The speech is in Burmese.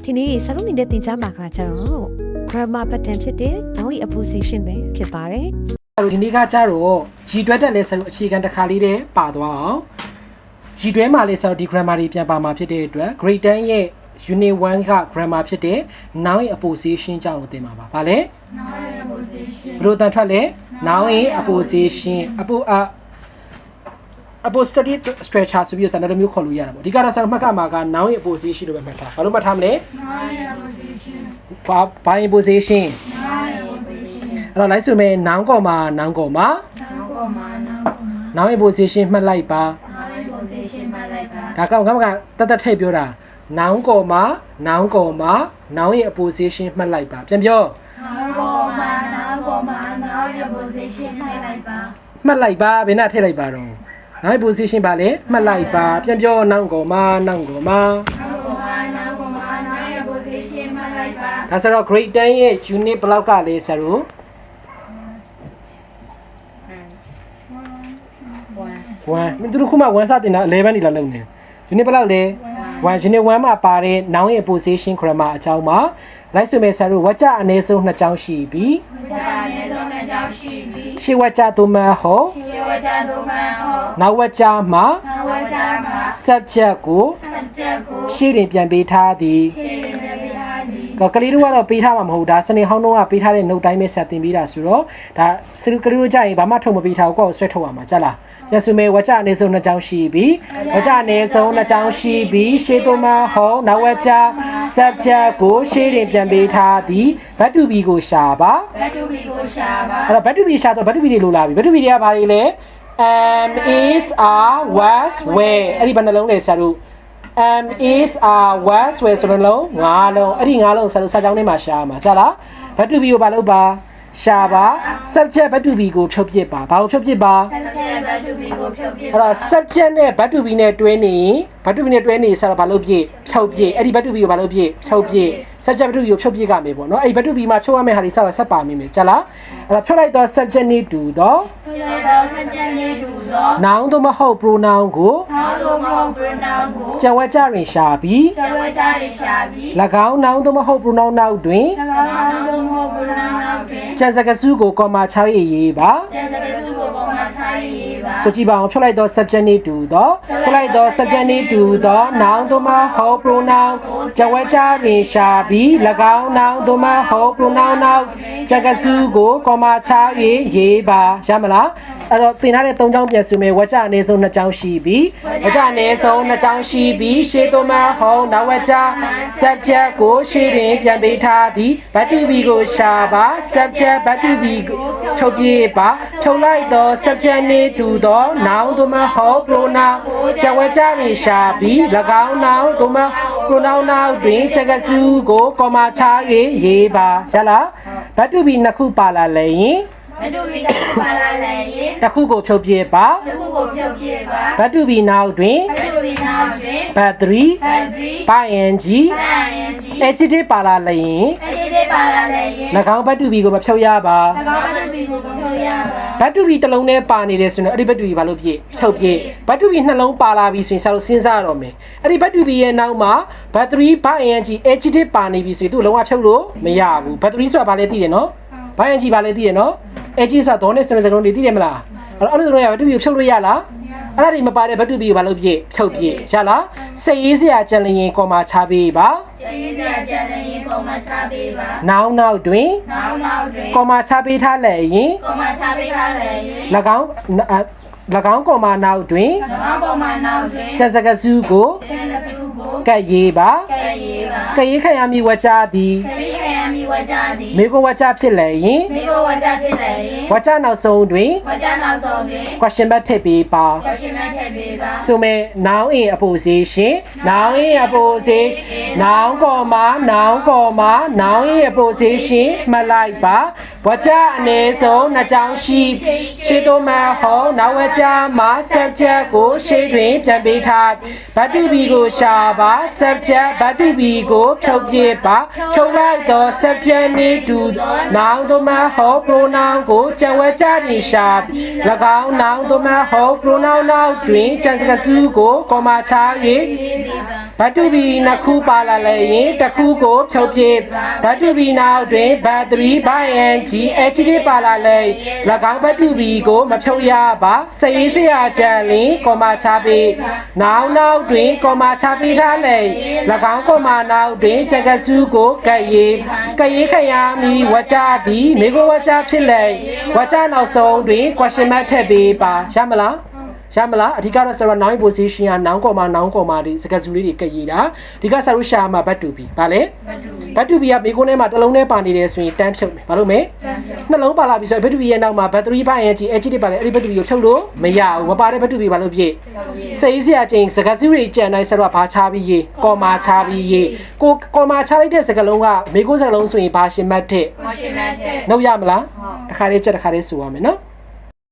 ဒီနေ့ဆရာတို့နေတဲ့တင်ကြားမှာကကျတော့ grammar pattern ဖြစ်တဲ့ noun apposition ပဲဖြစ်ပါတယ်ဒီနေ့ကကျတော့ G တွဲတက်လဲဆရာတို့အခြေခံတစ်ခါလေးတည်းပါသွားအောင် G တွဲမှာလဲဆရာတို့ဒီ grammar တွေပြန်ပါမှာဖြစ်တဲ့အတွက် grade 10ရဲ့ unit 1က grammar ဖြစ်တဲ့ noun apposition ကြောင့်ကိုသင်ပါပါ။ဘာလဲ noun apposition ဘယ်လိုတန်ထွက်လဲ noun apposition apostolic structure ဆိုပြီးတော့ဆရာတို့မျိုးခေါ်လို့ရတာပေါ့ဒီကတော့ဆရာတို့မှတ်ကမှာက noun apposition လို့ပဲမှတ်ထားဘာလို့မှတ်ထားမလဲ noun apposition ဘာ apposition noun apposition အဲ့တော့လိုက်ဆိုမယ် noun ကောမှာ noun ကောမှာ noun apposition မှတ်လိုက်ပါ noun apposition မှတ်လိုက်ပါဒါကောင်ကတတ်ထည့်ပြောတာ noun ကောမှာ noun ကောမှာ noun apposition မှတ်လိုက်ပါပြန်ပြော noun ကောမှာ noun apposition မှတ်လိုက်ပါမှတ်လိုက်ပါဘယ်နဲ့ထည့်လိုက်ပါတော့ noun apposition ပါလေမှတ်လိုက်ပါပြန်ပြော noun ကောမှာ noun ကောမှာ noun apposition မှတ်လိုက်ပါဒါဆိုတော့ grade 10ရဲ့ unit ဘယ်လောက်ကလဲဆရာတို့1မင်းတို့ခုမှ1စတင်တာ11နေလာလုံးနေ unit ဘယ်လောက်လဲ1 unit 1မှာပါတဲ့ noun apposition grammar အကြောင်းမှာလိုက်ဆိုမယ်ဆရာတို့ဝါကျအနည်းဆုံး2ကြောင်းရှိပြီးဝါကျအနည်းဆုံး2ကြောင်းရှိပြီးရှေ့ဝါကျသို့မဟုတ်ရှေ့ဝါကျသို့မဟုတ်နောက်ဝါကျမှာနောက်ဝါကျမှာ subject ကို ရှေ့တွင်ပြန်ပေးထားသည်ရှေ့တွင်ပြန်ပေးထားသည်ကလေးတို့ကတော့ပေးထားမှာမဟုတ်ဒါစနေဟောင်းတော့ကပေးထားတဲ့ note တိုင်းပဲဆက်တင်ပေးတာဆိုတော့ဒါစလူကလေးတို့ကြရင်ဘာမှထုတ်မပေးထားဘူးကိုယ့်ကိုဆွဲထုတ်ရမှာကြလားပြန်ဆိုမယ်ဝါကျအနည်းဆုံး2ကြောင်းရှိပြီးဝါကျအနည်းဆုံး2ကြောင်းရှိပြီးရှေ့သို့မဟုတ်နောက်ဝါကျ subject ကိုရှေ့တွင်ပြန်ပေးထားသည် verb to be ကိုရှာပါ verb to be ကိုရှာပါအဲ့တော့ verb to be ရှာတော့ verb to be တွေလိုလာပြီ verb to be တွေကဘာတွေလဲ am is are was were အဲ့ဒီဘယ်နှလုံးလဲဆရာတို့ am is are was were ဆိုတဲ့လုံး5လုံးအဲ့ဒီ5လုံးဆရာတို့စာကြောင်းထဲမှာရှာမှာကြားလား verb to be ကိုဘာလုပ်ပါရှာပါ subject verb to be ကိုဖြုတ်ပစ်ပါဘာကိုဖြုတ်ပစ်ပါ subject verb to be ကိုဖြုတ်ပစ်အဲ့တော့ subject နဲ့ verb to be နဲ့တွဲနေ verb to be နဲ့တွဲနေဆရာတို့ဘာလုပ်ပစ်ဖြုတ်ပစ်အဲ့ဒီ verb to be ကိုဘာလုပ်ပစ်ဖြုတ်ပစ် subject verb to be ကိုဖြုတ်ပစ်ကမယ်ပေါ့နော်အဲ့ဒီ verb to be မှာဖြုတ်ရမယ့်ဟာတွေဆက်ပါမိမယ်ကြားလားအဲ့တော့ဖြုတ်လိုက်တော့ subject နဲ့တူတော့ဖြုတ်လိုက်တော့ subject နဲ့တူတော့ noun သို့မဟုတ် pronoun ကို noun သို့မဟုတ် pronoun ကိုကျန်ဝါကျတွင်ရှာပြီးကျန်ဝါကျတွင်ရှာပြီး၎င်း noun သို့မဟုတ် pronoun နောက်တွင်၎င်း noun သို့မဟုတ် pronoun နောက်တွင်ကျန်စကားစုကို comma 6ရေးပါကျန်စကားစုကို comma 6ရေးပါဆိုကြည့်ပါအောင်ဖြုတ်လိုက်တော့ subject နဲ့တူတော့ဖြုတ်လိုက်တော့ subject နဲ့တူတော့ noun သို့မဟုတ် pronoun ကျန်ဝါကျတွင်ရှာပြီး၎င်း noun သို့မဟုတ် pronoun နောက်စကားစုကို comma 6ရေးပါရမလားအဲ့တော့သင်ထားတဲ့3ကြောင်းပြန်ဆိုမယ်ဝါကျအနည်းဆုံး2ကြောင်းရှိပြီးဝါကျအနည်းဆုံး2ကြောင်းရှိပြီးရှေ့သို့မဟုတ်နောက်ဝါကျ subject ကိုရှေ့တွင်ပြန်ပေးထားသည် verb to be ကိုရှာပါ subject verb to be ကိုဖြုတ်ပြပါဖြုတ်လိုက်တော့ subject နဲ့တူတော့ noun သို့မဟုတ် pronoun ကျန်ဝါကျတွင်ရှာပြီး၎င်း noun သို့မဟုတ် pronoun နောက်တွင်စကားစုကို comma 6ရေးပါရလား verb to be 2ခုပါလာလဲရင် verb to be တစ်ခုပါလာလဲရင်တစ်ခုကိုဖြုတ်ပြပါတစ်ခုကိုဖြုတ်ပြပါ verb to be နောက်တွင် verb to be နောက်တွင် verb 3 ing adjective ပါလာလဲရင် adjective ပါလာလဲရင်၎င်း verb to be ကိုမဖြုတ်ရပါ၎င်း verb to be ကိုမဖြုတ်ရပါ verb to be တစ်လုံးနဲ့ပါနေတယ်ဆိုရင်အဲ့ဒီ verb to be ဘာလို့ပြည့်ဖြုတ်ပြည့် verb to be နှလုံးပါလာပြီဆိုရင်ဆရာတို့စဉ်းစားရတော့မယ်အဲ့ဒီ verb to be ရဲ့နောက်မှာ verb 3 ing adjective ပါနေပြီဆိုရင်သူ့လုံးဝဖြုတ်လို့မရဘူး verb 3ဆိုတာဘာလဲသိတယ်နော် ing ဘာလဲသိတယ်နော် adjective ဆိုတာတော့နဲ့စနစ်စကားလုံးတွေသိတယ်မလားအဲ့လိုဆိုရင် verb to be ကိုဖြုတ်လို့ရလားအဲ့ဒါတွေမပါတဲ့ verb to be ကိုဘာလို့ပြည့်ဖြုတ်ပြည့်ရလားစိတ်ရေးစရာကြံလျင် comma ချပေးပါစိတ်ရေးစရာကြံလျင် comma ချပေးပါ noun နောက်တွင် noun နောက်တွင် comma ချပေးထားလဲရင် comma ချပေးထားလဲရင်၎င်းcomma နောက်တွင်၎င်း comma နောက်တွင်ကျန်စကားစုကိုကျန်စကားစုကိုကတ်ရေးပါကတ်ရေးပါကတ်ရေးခံရမည်ဝါကျသည်ကတ်ရေးခံရမည်ဝါကျသည်မေကိုဝါကျဖြစ်လဲရင်မေကိုဝါကျဖြစ်လဲရင်ဝါကျနောက်ဆုံးတွင်ဝါကျနောက်ဆုံးတွင် question mark ထည့်ပေးပါ question mark ထည့်ပေးပါဆိုမယ် noun in apposition noun in apposition noun comma noun in apposition မှတ်လိုက်ပါဝါကျအနေဆုံးနှစ်ကြောင်းရှိရှေ့သို့မှဟောနောက်ဝါကျမှာ subject ကိုရှေ့တွင်ပြန်ပေးထားဘတ်တူဘီကိုရှာပါ subject ဘတ်တူဘီကိုဖြုတ်ပြပါဖြုတ်လိုက်သော subject နှင့်တူ noun သို့မှဟော pronoun ကိုကြံဝဲကြတွင်ရှာ၎င်း noun သို့မှဟော pronoun နောက်တွင်ကြံစကားစုကိုကောမာချ၍ဘတ်တူဘီနှစ်ခုပါလာလည်းရင်တစ်ခုကိုဖြုတ်ပြဘတ်တူဘီနောက်တွင် battery by ing adjective ပါလာလည်း၎င်းဘတ်တူဘီကိုမဖြုတ်ရပါစရေးစရာကြံလင်ကောမာချပေးnoun နောက်တွင်ကောမာချပေးထားလည်း၎င်းကောမာနောက်တွင်ကြံစကားစုကိုကပ်ရေးခရမီဝါကျသည်မိကိုဝါကျဖြစ်လေဝါကျနောက်ဆုံးတွင် question mark ထည့်ပေးပါရမလားရမလားအဓိကတော့ဆရာ noun position က noun ကောမာဒီစကားစုလေးတွေကရေးတာဒီကဆရာရှာမှာဘတ်တူဘီဗာလဲဘတ်တူဘီကမိကိုထဲမှာတစ်လုံးနဲ့ပါနေတယ်ဆိုရင်တန်းဖြုတ်မယ်ဘာလို့မဲနှလုံးပါလာပြီဆိုရင်ဘတ်တူဘီရဲ့နောက်မှာ battery ဘိုင်း adjective ပါလဲအဲ့ဒီဘတ်တူဘီကိုထုတ်လို့မရဘူးမပါတဲ့ဘတ်တူဘီဘာလို့ဖြစ်စိတ်စရာချင်းစကားစုတွေကြံတိုင်းဆရာဘာချပြီးရေးကောမာချပြီးရေးကိုကောမာချလိုက်တဲ့စကားလုံးကမိကိုစကားလုံးဆိုရင်ဘာရှင်မတ်တဲ့နှုတ်ရမလားတစ်ခါလေးချက်တစ်ခါလေးဆိုရမယ်နော်